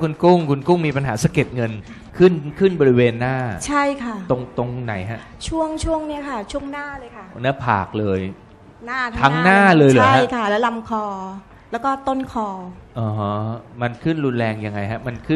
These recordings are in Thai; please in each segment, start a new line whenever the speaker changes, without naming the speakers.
คุณกุ้งมีปัญหาสะเก็ดเงินขึ้นบริเวณหน้า
ใช่ค่ะ
ตรงไหนฮะ
ช่วงเนี้ยค่ะช่วงหน้าเลยค่ะ
หน้าผากเลย
หน้า
ทั้งหน้าเลยเหรอฮะ
ใช่ค่ะแล้วลำคอแล้วก็ต้นคอ
ฮะมันขึ้นรุนแรงยังไงฮะมันขึ้น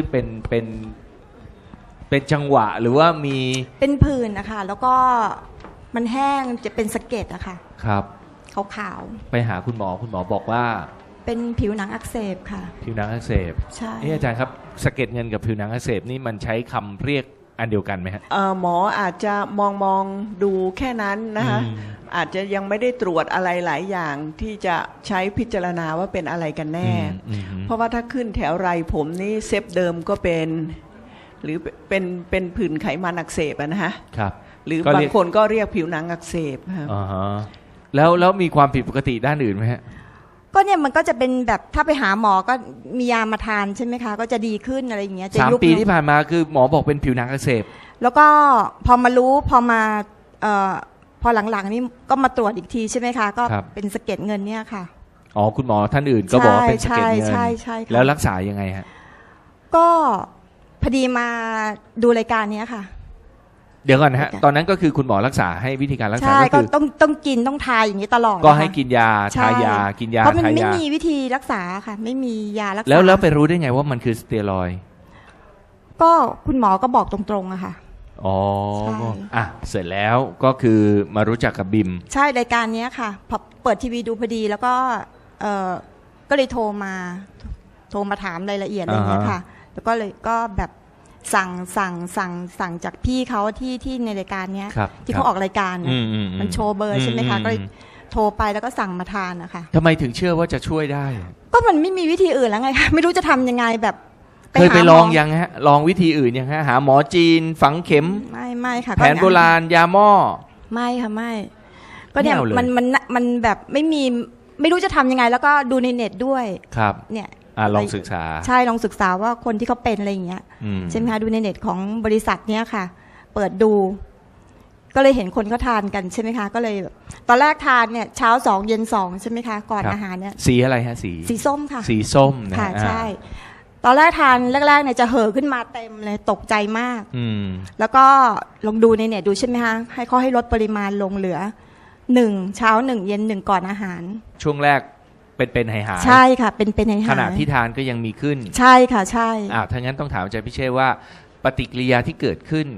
เป็นจังหวะหรือว่ามี
เป็นผื่นนะคะแล้วก็มันแห้งจะเป็นสะเก็ดอะค่ะ
ครับ
ขาว
ไปหาคุณหมอบอกว่า
เป็นผิวหนังอักเสบค่ะ
ผิวหนังอักเสบ
ใช่
อาจารย์ครับสะเก็ดเงินกับผิวหนังอักเสบนี่มันใช้คำเรียกอันเดียวกันไหมฮะ
หมออาจจะมองดูแค่นั้นนะคะอาจจะยังไม่ได้ตรวจอะไรหลายอย่างที่จะใช้พิจารณาว่าเป็นอะไรกันแน่เพราะว่าถ้าขึ้นแถวไรผมนี่เซฟเดิมก็เป็นหรือเป็นผื่นไขมันอักเสบนะฮะ
ครับ
หรือบางคนก็เรียกผิวหนังอักเสบครับ
แล้วมีความผิดปกติด้านอื่นไหมฮะ
ก็เนี่ยมันก็จะเป็นแบบถ้าไปหาหมอก็มียามาทานใช่ไหมคะก็จะดีขึ้นอะไรอย่างเงี้ยจะ
3 ปีที่ผ่านมาคือหมอบอกเป็นผิวหนังอักเสบ
แล้วก็พอมารู้พอหลังๆนี่ก็มาตรวจอีกทีใช่ไหมคะก็เป็นสะเก็ดเงินเนี่ยค่ะ
คุณหมอท่านอื่นก็บอกว่าเป็นสะเก็ดเงิน
ใช่
แล้วรักษายังไงฮะ
ก็พอดีมาดูรายการนี้ค่ะ
เดี๋ยวก่อนนะฮะตอนนั้นก็คือคุณหมอรักษาให้วิธีการรักษาก็คือ
ต้องกินต้องทายอย่างนี้ตลอด
ก็ให้กินยาทายากินยา
เพราะมันไม่มีวิธีรักษาค่ะไม่มียารักษา
แล้วไปรู้ได้ไงว่ามันคือสเตียรอยด์
ก็คุณหมอก็บอกตรงๆอะค่ะ
เสร็จแล้วก็คือมารู้จักกับบิม
ใช่รายการนี้ค่ะพอเปิดทีวีดูพอดีแล้วก็ก็เลยโทรมาถามรายละเอียดอะไรอย่างเงี้ยค่ะแล้วก็เลยก็แบบสั่งจากพี่เขาที่ในรายการเนี้ยที่เขาออกรายการมันโชว์เบอร์ใช่ไหมคะก็เลยโทรไปแล้วก็สั่งมาทานนะคะ
ทำไมถึงเชื่อว่าจะช่วยได้
ก็มันไม่มีวิธีอื่นแล้วไงคะไม่รู้จะทำยังไงแบบ
เคยไปลองยังฮะลองวิธีอื่นยังฮะหาหมอจีนฝังเข็ม
ไม่ค่ะ
แผนโบราณยาหม้อ
ไม่ค่ะไม่ก็เนี่ยมันแบบไม่รู้จะทำยังไงแล้วก็ดูในเน็ตด้วย
ครับ
เนี่ย
ลองศึกษา
ใช่ลองศึกษาว่าคนที่เขาเป็นอะไรอย่างเงี้ยใช่ไหมคะดูในเน็ตของบริษัทเนี้ยค่ะเปิดดูก็เลยเห็นคนเขาทานกันใช่ไหมคะก็เลยตอนแรกทานเนี่ยเช้า2เย็น2ใช่ไหมคะก่อนอาหารเนี่ย
สีอะไรฮะสี
ส้มค่ะ
สีส้ม
ค่ะใช่ตอนแรกทานแรกๆเนี่ยจะเห่อขึ้นมาเต็มเลยตกใจมากแล้วก็ลองดูในเน็ตดูใช่ไหมคะให้เขาให้ลดปริมาณลงเหลือ1เช้า1เย็น1ก่อนอาหาร
ช่วงแรกเป็นหาย
ใช่ค่ะเป็นหาย
ขณะที่ทานก็ยังมีขึ้น
ใช่ค่ะใช่
ถ้างั้นต้องถามอาจารย์พิเชษว่าปฏิกิริยาที่เกิดขึ้น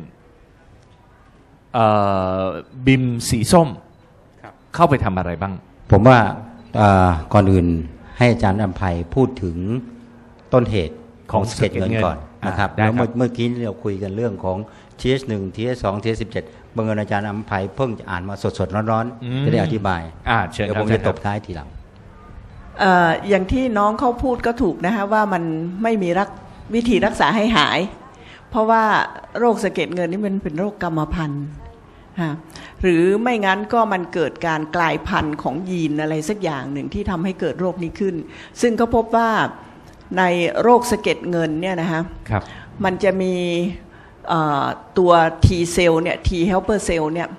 บิมสีส้มเข้าไปทำอะไรบ้าง
ผมว่าก่อนอื่นให้อาจารย์อำไพพูดถึงต้นเหตุของสะเก็ดเงินก่อนนะครับแล้วเมื่อกี้เราคุยกันเรื่องของ TH1 TH2 TH17 บังเอิญอาจารย์อำไพเพิ่งจะอ่านมาสดๆร้อนๆจะได้อธิบาย
เชิญ
เดี๋ยวผมจะตบท้ายทีหลัง
อย่างที่น้องเขาพูดก็ถูกนะฮะว่ามันไม่มีวิธีรักษาให้หายเพราะว่าโรคสะเก็ดเงินนี่มันเป็นโรคกรรมพันธุ์หรือไม่งั้นก็มันเกิดการกลายพันธุ์ของยีนอะไรสักอย่างหนึ่งที่ทำให้เกิดโรคนี้ขึ้นซึ่งเขาพบว่าในโรคสะเก็ดเงินเนี่ยนะฮะมันจะมีตัว T เซลล์เนี่ย T helper cell เนี่ย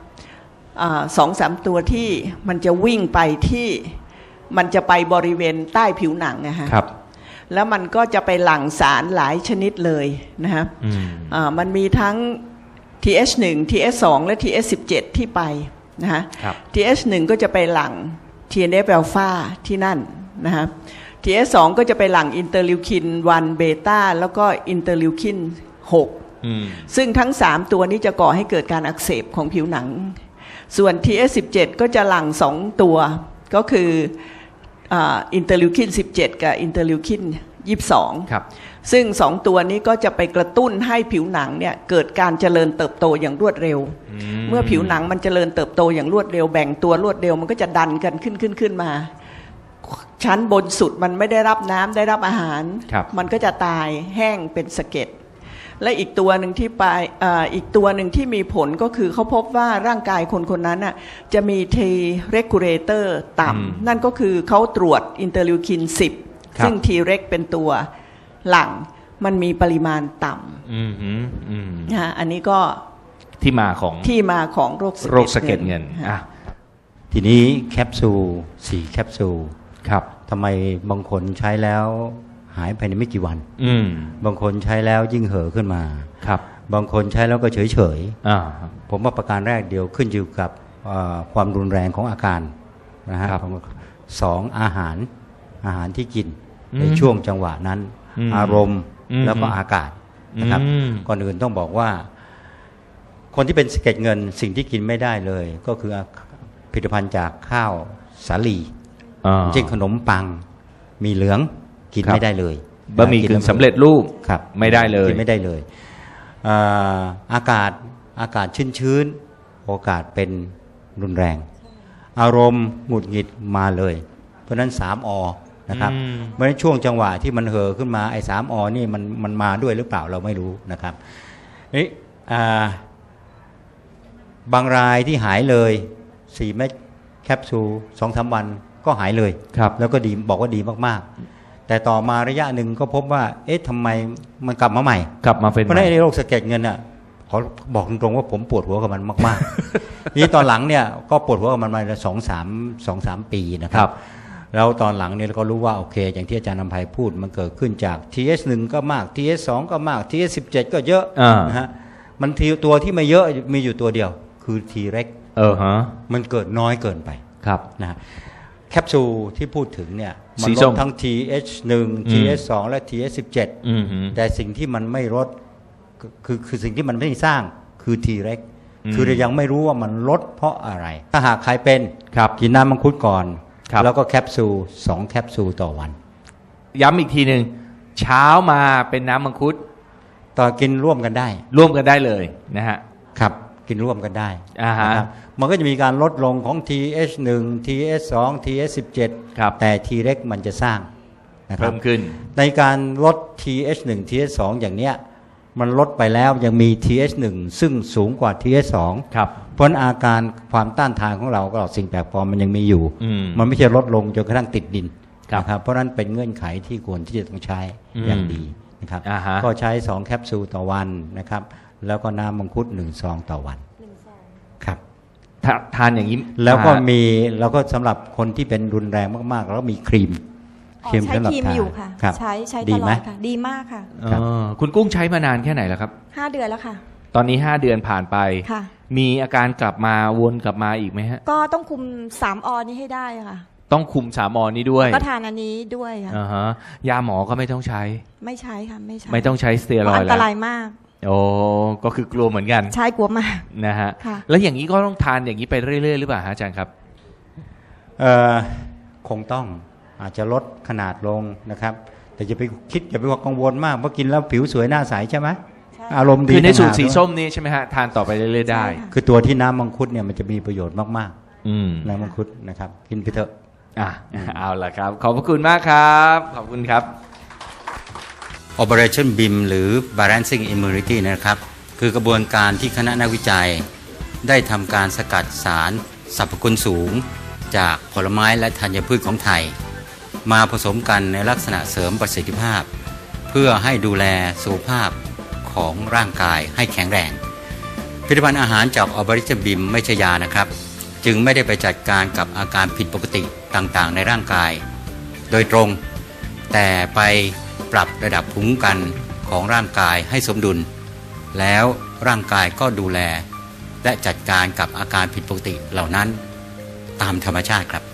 2-3 ตัวที่มันจะวิ่งไปที่มันจะไปบริเวณใต้ผิวหนังนะฮะแล้วมันก็จะไปหลั่งสารหลายชนิดเลยนะฮะมันมีทั้ง TH1 TH2 และ TH17 ที่ไปนะฮะ TH1 ก็จะไปหลั่ง TNF อลฟาที่นั่นนะฮะ TH2 ก็จะไปหลั่งอินเตอร์ลิวคิน1เบต้าแล้วก็อินเตอร์ลิวคิน6ซึ่งทั้ง3ตัวนี้จะก่อให้เกิดการอักเสบของผิวหนังส่วน TH17 ก็จะหลั่ง2ตัวก็คืออินเตอร์ลิวคิน17กับอินเตอร์ลิวคิน22ซึ่ง2ตัวนี้ก็จะไปกระตุ้นให้ผิวหนังเนี่ยเกิดการเจริญเติบโตอย่างรวดเร็วเมื่อผิวหนังมันเจริญเติบโตอย่างรวดเร็วแบ่งตัวรวดเร็วมันก็จะดันกันขึ้นมาชั้นบนสุดมันไม่ได้รับน้ำได้รับอาหารมันก็จะตายแห้งเป็นสะเก็ดและอีกตัวหนึ่งที่ไปอีกตัวหนึ่งที่มีผลก็คือเขาพบว่าร่างกายคนนั้นน่ะจะมี T regulator ต่ำนั่นก็คือเขาตรวจอินเตอร์ลิวคิน10ซึ่ง T reg เป็นตัวหลังมันมีปริมาณต่ำอันนี้ก็
ที่มาของ
โรคสะเก็ดเงินทีนี้แคปซูล4แคปซูลทำไมบางคนใช้แล้วหายภายในไม่กี่วัน บางคนใช้แล้วยิ่งเห่อขึ้นมา
ครับ
บางคนใช้แล้วก็เฉย
อ่า
ๆผมว่าประการแรกเดียวขึ้นอยู่กับความรุนแรงของอาการนะฮะ
ครับ
สองอาหารที่กินในช่วงจังหวะนั้น อารมณ์แล้วก็อากาศนะครับก่อนอื่นต้องบอกว่าคนที่เป็นสะเก็ดเงินสิ่งที่กินไม่ได้เลย ก็คือผลิตภัณฑ์จากข้าวสาลีเช่นขนมปังมีเหลืองกินไม่ได้เลย
บะหมี่กึ่งสำเร็จรูป
ครับ
ไม่ได้เลย
กินไม่ได้เลยอากาศชื้นๆโอกาสเป็นรุนแรง อารมณ์หงุดหงิดมาเลยเพราะฉะนั้น3 อนะครับเพราะฉะนั้นช่วงจังหวะที่มันเห่อขึ้นมาไอ้3 อนี่มันมาด้วยหรือเปล่าเราไม่รู้นะครับนี่บางรายที่หายเลย4 เม็ดแคปซูล 2-3 วันก็หายเลยแล้วก็ดีบอกว่าดีมากๆแต่ต่อมาระยะหนึ่งก็พบว่าเอ๊ะทำไมมันกลับมาใหม่
กลับมาเป็น
เพราะในโรคสะเก็ดเงินอ่ะขอบอกตรงๆว่าผมปวดหัวกับมันมากๆ นี่ตอนหลังเนี่ยก็ปวดหัวกับมันมา2-3 ปีนะครับแล้วตอนหลังเนี่ยเราก็รู้ว่าโอเคอย่างที่อาจารย์นำไพพูดมันเกิดขึ้นจาก TS1 ก็มาก TS2 ก็มาก TS17 ก็เยอะนะฮะมันตัวที่ไม่เยอะมีอยู่ตัวเดียวคือ T-REX มันเกิดน้อยเกินไป
ครับ
นะแคปซูลที่พูดถึงเนี่ยมันลดทั้ง TH1 TH2 และ TH17 แต่สิ่งที่มันไม่ลดคือสิ่งที่มันไม่สร้างคือ T-REX คือเรายังไม่รู้ว่ามันลดเพราะอะไรถ้าหากใครเป็นกินน้ำมังคุดก่อนแล้วก็แคปซูล2 แคปซูลต่อวัน
ย้ำอีกทีหนึ่งเช้ามาเป็นน้ำมังคุด
ต่อกินร่วมกันได้
เลยนะฮะ
ครับกินร่วมกันได้นะครับมันก็จะมีการลดลงของ TH1 TH2 TH17 แต่ T-REX มันจะสร้างนะครับ
เพิ่มขึ้น
ในการลด TH1 TH2 อย่างเนี้ยมันลดไปแล้วยังมี TH1 ซึ่งสูงกว่า TH2 เพราะอาการความต้านทานของเราก็สิ่งแปลกปลอมมันยังมีอยู่มันไม่ใช่ลดลงจนกระทั่งติดดินนะครับเพราะนั้นเป็นเงื่อนไขที่ควรที่จะต้องใช้อย่างดีนะครับก็ใช้2 แคปซูลต่อวันนะครับแล้วก็น้ำมังคุด1 ซองต่อวันครับ
ทานอย่างนี้
แล้วก็สำหรับคนที่เป็นรุนแรงมากๆแล้วมีครีม
ใช้ครีมอยู่ค่ะใช้ตลอดค่ะดีมากค่ะ
คุณกุ้งใช้มานานแค่ไหนแล้วครับ
5 เดือนแล้วค่ะ
ตอนนี้5 เดือนผ่านไปมีอาการกลับมาวนกลับมาอีกไหมฮะ
ก็ต้องคุม3 อนี้ให้ได้ค่ะ
ต้องคุม3 อนี้ด้วย
ก็ทานอันนี้ด้วยค่ะ
ยาหมอก็ไม่ต้องใช้
ไม่ใช้ค่ะ
ไม่ต้องใช้สเตียรอยด์แล้ว
อันตรายมาก
โอ้ก็คือกลัวเหมือนกัน
ใช่กลัวมาก
นะฮะแล้วอย่างนี้ก็ต้องทานอย่างนี้ไปเรื่อยๆหรือเปล่าอาจารย์ครับ
คงต้องอาจจะลดขนาดลงนะครับแต่อย่าไปกังวลมากเพราะกินแล้วผิวสวยหน้าใสใช่ไหมอารมณ์ดี
คือในสูตรสีส้มนี้ใช่ไหมฮะทานต่อไปเรื่อยๆได้
คือตัวที่น้ำมังคุดเนี่ยมันจะมีประโยชน์มากๆน้ำมังคุดนะครับกินไปเถอะ
เอาล่ะครับขอบพระคุณมากครับขอบคุณครับ
Operation BIM หรือ Balancing Immunity นะครับคือกระบวนการที่คณะนักวิจัยได้ทำการสกัดสารสรรพคุณสูงจากผลไม้และธัญพืชของไทยมาผสมกันในลักษณะเสริมประสิทธิภาพเพื่อให้ดูแลสุขภาพของร่างกายให้แข็งแรงผลิตภัณฑ์อาหารจาก Operation BIM ไม่ใช่ยานะครับจึงไม่ได้ไปจัดการกับอาการผิดปกติต่างๆในร่างกายโดยตรงแต่ไปปรับระดับภูมิคุ้มกันของร่างกายให้สมดุลแล้วร่างกายก็ดูแลและจัดการกับอาการผิดปกติเหล่านั้นตามธรรมชาติครับ